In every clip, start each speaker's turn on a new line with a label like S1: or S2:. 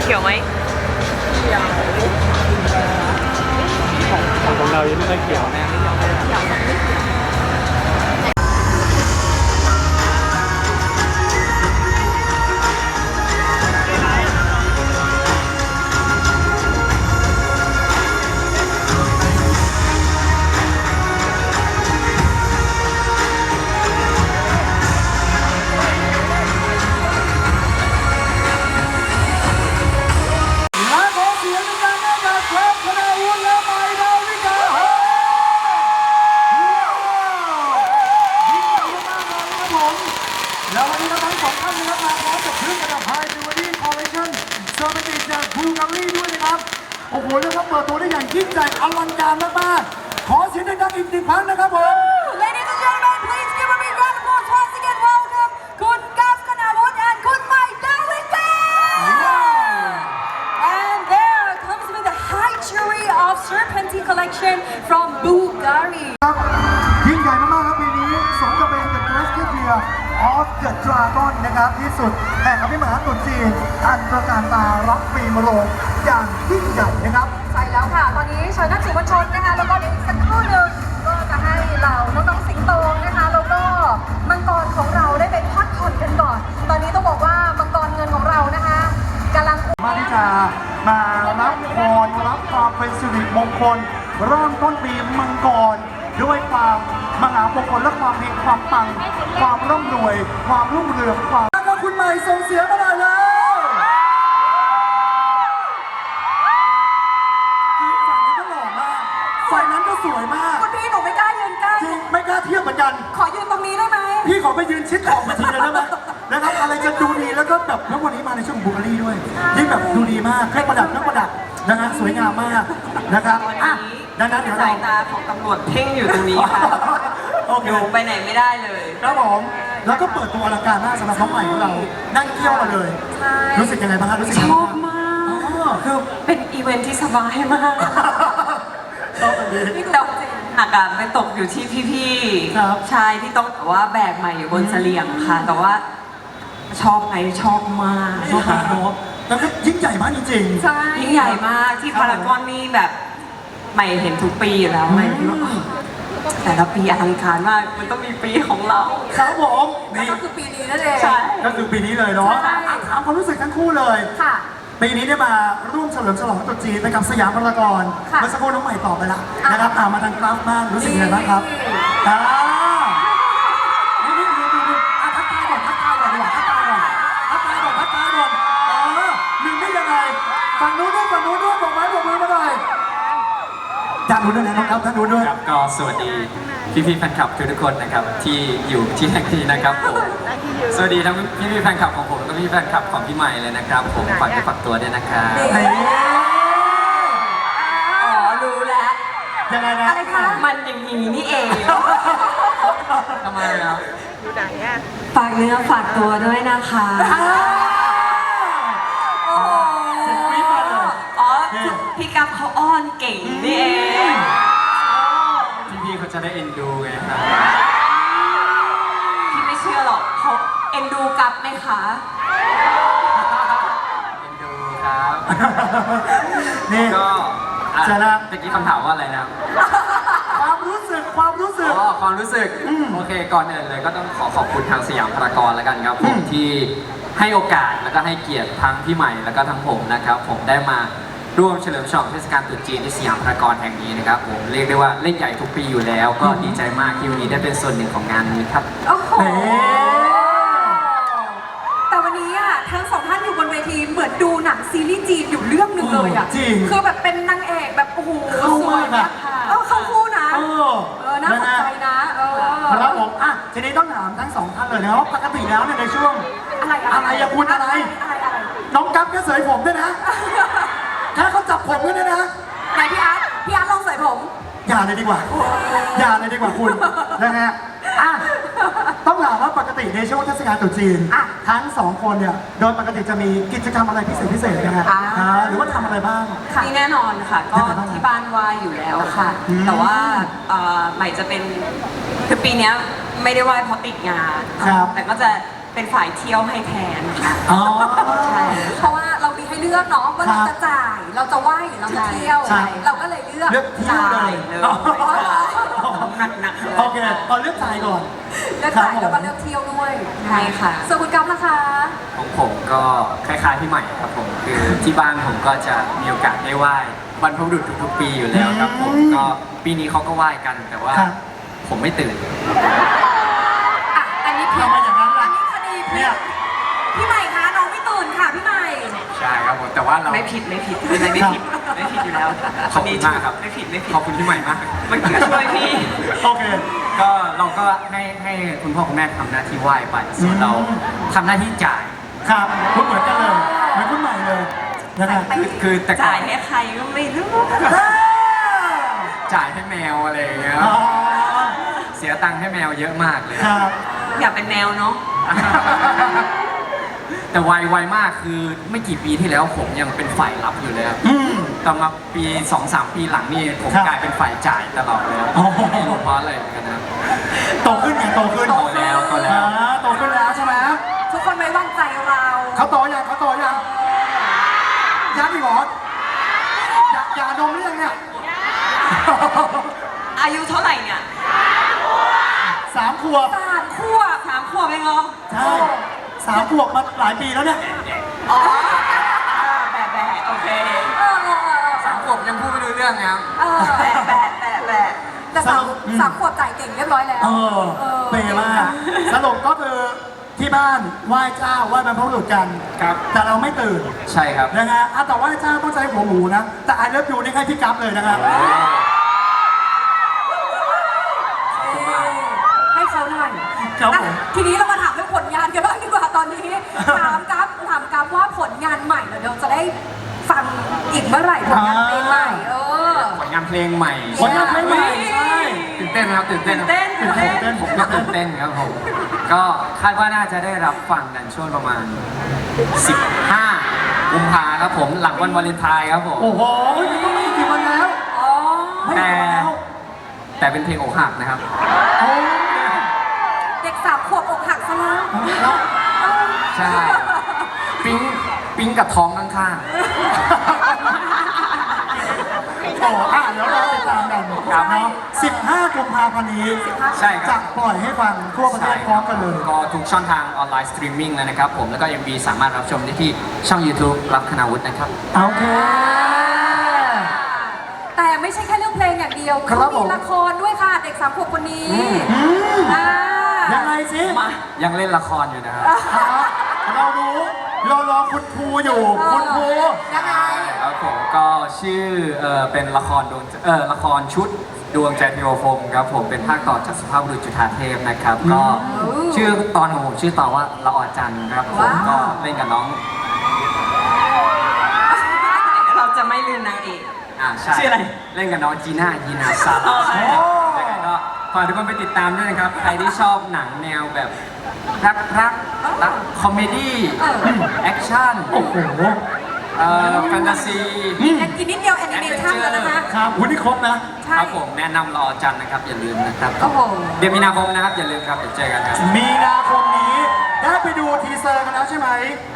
S1: ขียวไหมเขียว
S2: ของเรายังไม่ค่อยเขียวนะ
S3: แล้ววันนี้ทั้งสองท่านนะครับมาพร้อมกับเครื่องประดับไฮจูเวลรี่คอลเลคชั่นเซอร์วิสจากบูการีด้วยนะครับโอ้โหเรียกว่าเปิดตัวได้อย่างยิ่งใหญ่อลังการมากๆขอเสียงดังๆอีกหนึ่งครั้งนะครับผม
S4: Ladies and gentlemen, please give a big round of applause once again. Welcome, คุณกัฟ Kanawut and คุณใหม่ ดาวิกา And there comes with the high jewelry of Serpentine collection from Bulgari.
S3: ครับยิ่งใหญ่มากๆครับปีนี้สมกับเป็น The Great Year of the Dragon นะครับที่สุดแห่งอภิมหาตรุษจีนอันตระการตารับปีมะโรงอย่างยิ่งใหญ่นะครับ
S4: ใช่แล้วค่ะ ตอนนี้เชิญนักสื่อมวลชนนะคะ แล้วก็เดี๋ยวอีกสักครู่หนึ่งก็จะให้เราน้องๆสิงโตนะคะ แล้วก็มังกรของเราได้ไปพักผ่อนกันก่อน ตอนนี้ต้องบอกว่ามังกรเงินของเรานะคะกำลัง
S3: มาที่จะมารับพรรับความเป็นสิริมงคลเริ่มต้นปีมังกรด้วยความมหามงคลและความเฮงความปังความร่ำรวยความรุ่งเรืองความแล้วก็คุณใหม่ส่งเสียงมาหน่อยแล้วคือฝั่งนี้ก็หล่อมากฝ่ายนั้นก็สวยมาก
S4: คุณพี่หนูไม่กล้ายืนใกล้
S3: จริงไม่กล้าเทียบเหมือนกัน
S4: ขอยืนตรงนี้ได้ไหม
S3: พี่ขอไปยืนชิดขอบเวทีเลยได้ไหมนะครับอะไรจะดูดีแล้วก็แบบแล้ววันนี้มาในช่วงบูการีด้วยยิ่งแบบดูดีมากเครื่องประดับนะฮะสวยงามมากนะครับอ่ะดังนั้นเดี๋ยว
S1: สา
S3: เรา
S1: ยตาของตำรวจเพ่งอยู่ตรงนี้ค่ะ
S3: โอเค
S1: อยู่ไปไหนไม่ได้เลย
S3: ครับผมแล้วก็เปิดตัวอลังการมากสำหรับน้องใหม่ของเรานั่งเที่ยวมาเลย
S4: ใช่
S3: รู้สึกยังไงบ้างครับรู้สึก
S1: ช
S3: ยังไง
S1: อบ
S3: บ้าง
S1: มากคือเป็นอีเวนท์ที่สบายมาก
S3: ชอบแบบนี้
S1: แต่หนักอะไปตกอยู่ที่พี่
S3: ครับ
S1: ๆชายที่ต้องแบบว่าแบกใหม่อยู่บนเสลียงค่ะ แต่ว่าชอบไหมชอบมาก
S3: ชอบมากเนอะแล้วก็ยิ่งใหญ่มากจริงๆ
S4: ใช่
S1: ยิ่งใหญ่มากที่พารากอนนี่แบบใหม่เห็นทุกปีอยู่แล้วใหม่คิดว่าแต่ละปีอลังการมากมันต้องมีปีของเรา
S3: ครับผม
S4: แล้ว
S3: นี่
S4: ก็คือปีนี้นั่นเอง
S1: ใช่
S3: ก็คือปีนี้เลยเนาะ
S4: ใช่
S3: อ่ะถามความรู้สึกทั้งคู่เลย
S4: ค่ะ
S3: ปีนี้ได้มาร่วมเฉลิมฉลองตรุษจีนไปกับสยามพารากอน
S4: ค่ะ
S3: เมื่อสักครู่น้องใหม่ตอบไปละ
S4: อ่ะ
S3: นะครับมาทางกราฟบ้างรู้สึกยังไงบ้างครับ
S4: นี่
S3: อ่านี่ดูอ่ะทักทายก่อนดีกว่าทักทายก่อนหนึ่งได้ยังไงฝั่งนู้นด้วยบอกไม้บอกมือมาหน่อยด้านนู้นด้วยนะน้องครับด้านนู้นด้วย
S2: ครับก็สวัสดีพี่ๆแฟนคลับทุกคนนะครับที่อยู่ที่แห่งนี้นะครับผมสวัสดีทั้งพี่ๆแฟนคลับของผมและพี่ๆแฟนคลับของพี่ใหม่เลยนะครับผมฝากฝากตัวด้วยนะครับ
S3: เฮ้ย
S1: อ๋อรู้แล้ว
S3: ยังไงนะ
S4: อะไรคะ
S1: มันอย่างนี้นี่เอง
S2: ทำไมครับ
S1: ฝากเนื้อฝากตัวด้วยนะคะ
S4: โอ้โห
S1: อ๋อพี่กัฟเขาอ้อนเก่งนี่เอง
S2: พี่ๆเขาจะได้เอ็นดูไงครับ
S1: พี่ไม่เชื่อหรอกเขาเอ็นดูกัฟไหมคะ
S2: เอ็นดูครับ
S3: นี่
S2: ก็อ่ะ
S3: เจอแล้ว
S2: เมื่อกี้คำถามว่าอะไรนะครับ
S3: ความรู้สึก
S2: ความรู้สึกโอเคก่อนอื่นเลยก็ต้องขอขอบคุณทางสยามพารากอนแล้วกันครับผมที่ให้โอกาสแล้วก็ให้เกียรติทั้งพี่ใหม่แล้วก็ทั้งผมนะครับผมได้มาร่วมเฉลิมฉลองเทศกาลตรุษจีนที่สยามพารากอนแห่งนี้นะครับผมเรียกได้ว่าเล่นใหญ่ทุกปีอยู่แล้ว ก็ดีใจมากที่วันนี้ได้เป็นส่วนหนึ่งของงานนี้ครับ
S4: โอ้โห
S3: เฮ้
S4: แต่วันนี้อ่ะทั้งสองท่านอยู่บนเวทีเหมือนดูหนังซีรีส์จีนอยู่เรื่องหนึ่งเลยอ่ะ
S3: จริง
S4: คือแบบเป็นนางเอกแบบโอ้โห
S3: เข้ามาก
S4: สวย
S3: อะ
S4: เข้าคู่นะ
S3: เออ
S4: น่าสนใจนะ
S3: ครับผมอ่ะทีนี้ต้องถามทั้งสองท่านเลยนะว่าปกติแล้วเนี่ยในช่วง
S4: อะไร
S3: อะไรอะคุณอะไร น้องกั๊บก็เสยผมด้วยนะแค่เขาจับผมด้วยนะ
S4: ไหนพี่อาร์ตลองใส่ผม
S3: อย่าเลยดีกว่าคุณนะฮะอ่ะต้องถามว่าปกติในช่วงเทศกาลตรุษจีนทั้งสองคนเนี่ยโดยปกติจะมีกิจกรรมอะไรพิเศษนะฮะหรือว่าทำอะไรบ้าง
S1: นี่แน่นอนค่ะก็ที่บ้านไหว้อยู่แล้วค่ะ แต่ว่าใหม่จะเป็นคือปีเนี้ยไม่ได้ไหว้เพราะติดงาน
S3: ครับ
S1: แต่ก็จะเป็นฝ่ายเที่ยวให้แทนค่ะ
S3: อ๋อ
S1: ใช่
S4: เพราะว่าเรามีให้เลือกเนาะว่าเราจะจ่ายเราจะไหว้หรือเราจะเที่ยว
S3: ใช่
S4: เราก็เลยเลือก
S3: เลือกเที่ยวเลย
S1: หนักๆเลย
S3: โอเคเอาเลือกจ่ายก่อน
S4: เลือกจ่ายแล้วก็เลือกเที่ยวด้วย
S1: ใช่ค่ะ
S4: ส่วนคุณกั๊ฟนะคะ
S2: ของผมก็คล้ายๆพี่ใหม่ครับผมคือที่บ้านผมก็จะมีโอกาสได้ไหว้บรรพบุรุษทุกๆปีอยู่แล้วครับผมก็ปีนี้เขาก็ไหว้กันแต่ว่า
S3: ครับ
S2: ผมไม่ตื่น
S4: อ่ะอันนี้ผิด
S3: ทำไมอย่างนั้นล่ะ
S4: อันนี้คดีผิ
S3: เนี่
S4: ด
S3: ย
S4: พี่ใหม่คะน้องไม่ตื่นค่ะพี่ใหม่
S2: ใช่ครับผมแต่ว่าเรา
S1: ไม่ผิดไม่ผิดไม่ผิดไม่ผิดอยู่แล้ว
S2: ขอบคุณมากครับ
S1: ไม่ผิดไม่ผิด
S2: ขอบคุณพี่ใหม่มาก
S1: มันก็ช่วยพี่
S3: โอเค
S2: ก็เราก็ให้คุณพ่อคุณแม่ทำหน้าที่ไหว้ไปส่วนเราทำหน้าที่จ่าย
S3: ครับคุณเหมือนกันเลยเหมือนคุณใหม่เลยนะครับ
S2: คือแต่ก่อ
S1: จ่าย
S2: น
S1: ให้ใครก็ไม่รู้
S2: จ่ายให้แมวอะไรอย่างเงี้ย
S3: อ๋อ
S2: เสียตังค์ให้แมวเยอะมากเลย
S3: ครับ
S1: อยากเป็นแมวเนาะ
S2: แต่ไวมากคือไม่กี่ปีที่แล้วผมยังเป็นฝ่ายรับอยู่เลยครับ
S3: อืม
S2: แต่มาปี 2-3 ปีหลังนี่ผม
S3: ครับ
S2: กลายเป็นฝ่ายจ่ายตลอดเลย
S3: โอ้โห
S2: ไม่รู้เพราะอะไรเหมือนกันนะ
S3: โตขึ้นไงโตขึ้น
S2: โตแล้วโตแล้ว
S3: โตขึ้นแล้วใช่ไหม
S4: ทุกคนไว้วางใจเรา
S3: เขาโตยังเขาโตยังยังอีกเหรออย่าดมหรือยังเนี่ย
S1: อายุเท่าไหร่เนี่ย
S3: 3 ขวบ
S1: 3 ขวบเองเหรอ
S3: ใช่3 ขวบมาหลายปีแล้วเนี่ย
S1: อ๋อแบะโอเค
S2: 3 ขวบยังพูดไม่รู้เรื่องนะครับ
S1: แบะ
S4: แต่สามขวบจ่ายเก่งเรียบร้อยแล้ว
S3: เปย์มากสรุปก็คือที่บ้านไหว้เจ้าไหว้บรรพบุรุษกัน
S2: ครับ
S3: แต่เราไม่ตื่น
S2: ใช่ครับ
S3: นะฮะแต่ไหว้เจ้าต้องใช้หัวหมูนะ แต่ไอเลิฟยูนี่ให้พี่กั๊ฟเลยนะครับ
S4: ให้เขาหน่อย
S3: ครับผม
S4: อ่ะทีนี้เรามาถามเรื่องผลงานกันบ้างดีกว่าตอนนี้ ถามกัฟว่าผลงานใหม่เดี๋ยวจะได้ฟังอีกเมื่อไหร่ผลงานเพลงใหม่
S2: ผลงานเพลงใหม่
S3: ผลงานเพลงใหม่ใช่
S2: ตื่นเต้นครับตื่นเต้น
S1: เต้น
S2: ผมก็ตื่นเต้นครับผมก็คาดว่าน่าจะได้รับฟังกันช่วงประมาณ 15 กุมภาครับผมหลังวันวาเลนไทน์ครับผม
S3: โอ้โหก็ไม่กี่วันแล้ว
S4: อ๋อ
S2: แต่เป็นเพลงอกหักนะครับ
S3: โอ้
S4: เด็ก3 ขวบอกหักซะแล้ว
S3: แล้ว
S2: ใช่ ปิ๊งกับท้องข้าง
S3: โอ้เดี๋ยวเราติดตามกัน
S2: ครับ
S3: เนาะ15 กุมภาพันธ์นี้
S2: ๆ ใช่ค
S3: จะ
S2: รับ
S3: ปล่อยให้ฟังทั่วประเทศพร้อมกันเลย
S2: ก็ทุกช่องทางออนไลน์สตรีมมิ่งเลยนะครับผมแล้วก็ MV สามารถรับชมได้ที่ช่อง YouTube รับคณาวุฒินะครับ
S3: โอเค
S4: แต่ไม่ใช่แค่เรื่องเพลงอย่างเดียว
S3: ครั
S4: เขา
S3: บผม
S4: มีละครด้วยค่ะเด็ก3 ขวบคนนี้
S3: อืม
S4: อ่า
S3: ยังไงสิ
S2: ยังเล่นละครอยู่นะครับ
S3: เรารู้เรารอคุณครูอยู่คุณครู
S4: ยังไง
S2: ครับผมก็ชื่อเป็นละครละครชุดดวงใจเทวพรหมครับผมเป็นภาคต่อจากสุภาพบุรุษจุฑาเทพนะครับก็ชื่อตอนของผมชื่อตอนว่าละออจันทร์ครับผมก็เล่นกับน้อง
S1: เราจะไม่ลืมนางเอก
S2: ใช่
S1: ชื่ออะไร
S2: เล่นกับน้องจีน่ายีนาซาร่าใช่ครับยังไงก็ฝากทุกคนไปติดตามด้วยนะครับใครที่ชอบหนังแนวแบบรักคอมเมดี้แอคชั่น
S3: โอ้โห
S2: แฟนตาซี
S4: อีกนิดเดียวแอนิเมชั่นแล้วนะคะ
S3: ครับวันนี้ครบนะ
S4: ใช่
S2: ครับผมแนะนำรอจันทร์นะครับอย่าลืมนะครับ
S4: โอ้โห
S2: เดือนมีนาคมนะครับอย่าลืมครับเดี๋ยวเจอกันครับ
S3: มีนาคมนี้ได้ไปดูทีเซอร์กันแล้วใช่ไหม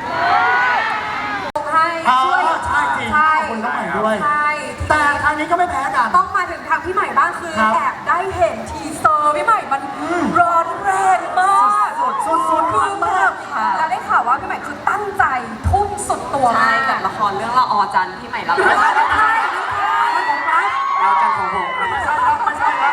S4: ให้
S3: ช่วย
S4: ช่วย
S3: ใช่จริง
S4: ใช่
S3: ขอบคุณน้องใหม่ด้วย
S4: ใช่
S3: แต่ทางนี้ก็ไม่แพ้กัน
S4: ต้องมาถึงทางพี่ใหม่บ้างคือ
S3: ครับ
S4: แอบได้เห็นทีเซอร์พี่ใหม่มันร้อนแรงมาก
S3: สุดๆ
S4: คือมาก
S1: ค่ะ
S4: แล้วได้ข่าวว่าพี่ใหม่คือตั้งใจทุ่มสุดตัว
S1: ใช่
S4: มาก
S1: กับละครเรื่องละออจันทร์ที่ใหม่รับ
S4: ไม่ใช่ไม่ใช่ของรัฐ
S2: เราจันทร์ของผม
S3: ไม่ใช่ครับไม่ใช่ครับ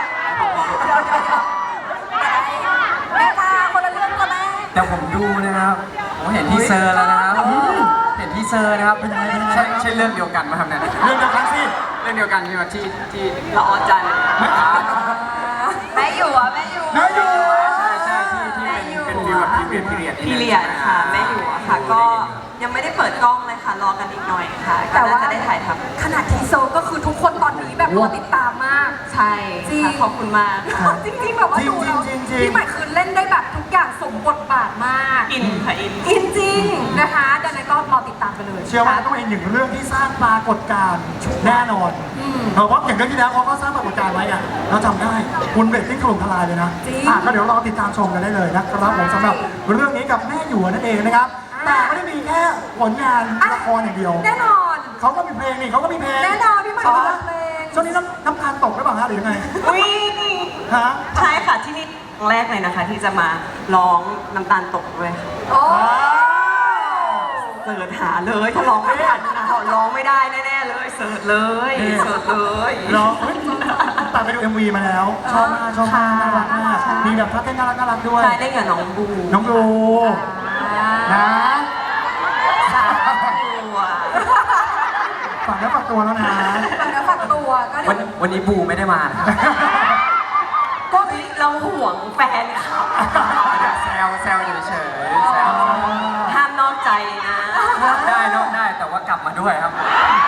S4: แม่ตาคนละเรื่องกับแม่
S2: แต่ผมดูนะครับผมเห็นทีเซอร์แล้วนะครับเห็นทีเซอร์นะครับเป็นยังไงใช่เรื่องเดียวกันไหมครับเนี่ย
S3: เรื่องเดียวกันสิ
S2: เรื่องเดียวกันใช่ไหมที่
S1: ละออจันทร์แม่อยู่อ่ะแม่อยู่
S3: นายอยู่
S2: ใช่ที่เป็นฟีลแบบพีเรียด
S1: พีเรียดค่ะแม่อยู่อะค่ะ ก็ยังไม่ได้เปิดกล้องเลยค่ะ รอกันอีกหน่อยค่ะก็น่าจะได้ถ่ายทำ
S4: ขนาดทีเซอร์ก็คือทุกคนตอนนี้แบบรอติดตามมาก
S1: ใช่
S4: จริง
S1: ค่ะขอบคุณมาก
S4: จริงๆแบบว่าดูแล้วพี่ใหม่คือเล่นได้แบบทุกอย่างสมบทบาทมาก
S1: อินค่ะอิน
S4: อินจริงนะคะดังนั้นก็รอติดตามกันเลย
S3: เชื่อว่าต้องเป็นหนึ่งเรื่องที่สร้างปรากฏการณ์แน่นอน เพราะว่าอย่างเรื่องที่แล้วเขาก็สร้างปรากฏการณ์ไว้อะเราจำได้คุณเรตติ้งถล่มทลายเลยนะก็เดี๋ยวรอติดตามชมกันได้เลยนะครับผมสำหรับเรื่องนี้กับแม่หยวนนั่นเองนะครับแต่ไม่ได้มีแค่ผลงานละครอย่างเดียว
S4: แน่นอน
S3: เขาก็มีเพลงนี่เขาก็มีเพลง
S4: แน่นอนพี่ใหม่ก็ร้องเพลง
S3: ช่วงนี้น้ำตาลตกหรือเปล่าฮะหรือยังไง
S1: อุ้ย
S3: ฮะ
S1: ใช่ค่ะที่นี่ครั้งแรกเลยนะคะ ที่จะมาร้องน้ำตาลตกด้วยค่ะ
S4: โอ้
S1: เสิร์ชหาเลยถ้าร้องไม่ทันนะร้องไม่ได้แน่ๆเลยเสิร์ชเลยเสิร์ชเลย
S3: ร้องตามไปดู MV มาแล้ว ชอบมากชอบมากน่ารักมากมีแบบท่าเต้นน่ารักด้วย
S1: ใช่ได้กับน้องบู
S3: น้องดูนะ
S1: สามตัว
S3: ฝากแล้วฝากตัวแล้วนะ
S4: ฝากเนื้อฝากตัวก็เดี๋ยว
S2: วันนี้บูไม่ได้มานะครับ
S1: ก็เราห่วงแฟนเขา
S2: แซวเฉยๆแซว
S1: ห้ามนอกใจนะ
S2: ได้นอกได้แต่ว่ากลับมาด้วยครับ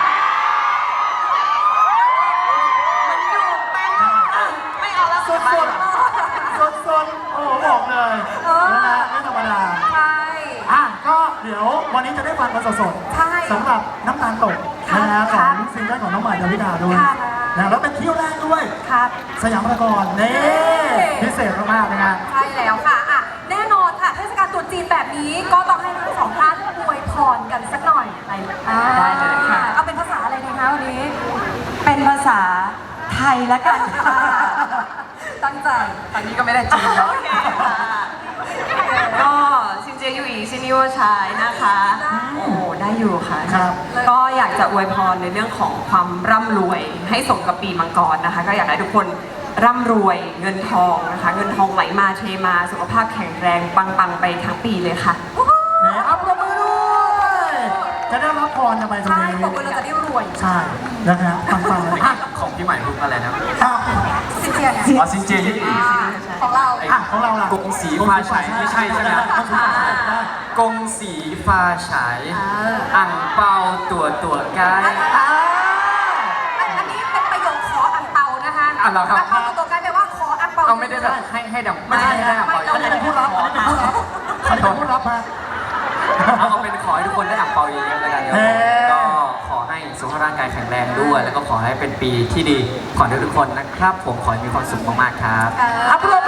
S1: มันอยู่แป้งไม่เอาแล้ว
S3: สดโอ้บอกเลยนะฮะไม่ธรรมดา
S4: ใช่
S3: ก็เดี๋ยววันนี้จะได้ฟังกันสด
S4: ใช่
S3: ๆสำหรับน้ำตาลตกนะฮะข
S4: ครั
S3: อบ งซิงเกิลของน้องใหม่ดาวิดาด้วย
S4: ครับ
S3: นะแล้วเป็นเที่ยวแรกด้วย
S4: ครับ
S3: สยามพารากอนนี่พิเศษมากๆนะฮะ
S4: ใช่แล้วค่ะแน่นอนค่ะเทศกาลตรุษจีนแบบนี้ก็ต้องให้ทั้งสองท่านอวยพรกันสักหน่อย
S1: ได้เลยค่ะ
S4: เอาเป็นภาษาอะไรดีคะวันนี้
S1: เป็นภาษาไทยละกันค่ะ
S4: ตั้งใจ
S2: ตอนนี้ก็ไม่ได้จีนแล้ว
S1: โอเคค่ะก็ซินเจียอยู่อีซินิวชายนะคะ โอ้ได้อยู่ค่ะ
S3: ครับ
S1: ก็อยากจะอวยพรในเรื่องของความร่ำรวยให้สมกับปีมังกรนะคะ ก็อยากให้ทุกคนร่ำรวยเงินทองนะคะ เงินทองไหลมาเทมาสุขภาพแข็งแรงปังๆไปทั้งปีเลยค่ะ
S3: แหมอัปรบมือด้วยจะได้รับพรกันไปตรง
S4: ใช่
S3: นี้
S4: บอกว่าเราจะได้รวย
S3: ใช่นะฮะฟังๆเลยอ่ะ
S2: ของพี่ใหม่พูดอะไรนะ
S4: สิเจียเนี่ย
S2: อ๋อซินเจยี่อี
S4: ของเรา
S3: ของเราล่ะ
S2: กงสีฟ้าฉายไม่ใช่ใช่ไหมกงสีฟ้าฉายอ่างเปาตัวใกล้
S4: อันนี้เป็นประโยคขออังเปานะคะ
S2: อ่ะเหรอครับ
S4: อังเปาตัวกลายแปลว่าขออังเปา
S2: เอาไม่ได้แบบให้ดังไม่ใช่ให้ดัง
S3: อันนี้เป็นผู้รับอันนี้เป็นผู้รับฮะ
S2: เอาเป็นขอให้ทุกคนได้อ่างเปาเยอะๆแล้วกันครับ
S3: เฮ้
S2: ก็ขอให้สุขภาพร่างกายแข็งแรงด้วย แล้วก็ขอให้เป็นปีที่ดีขอให้ทุกคนนะครับ ผมขอให้มีความสุขมากๆครับ
S3: อัปโหล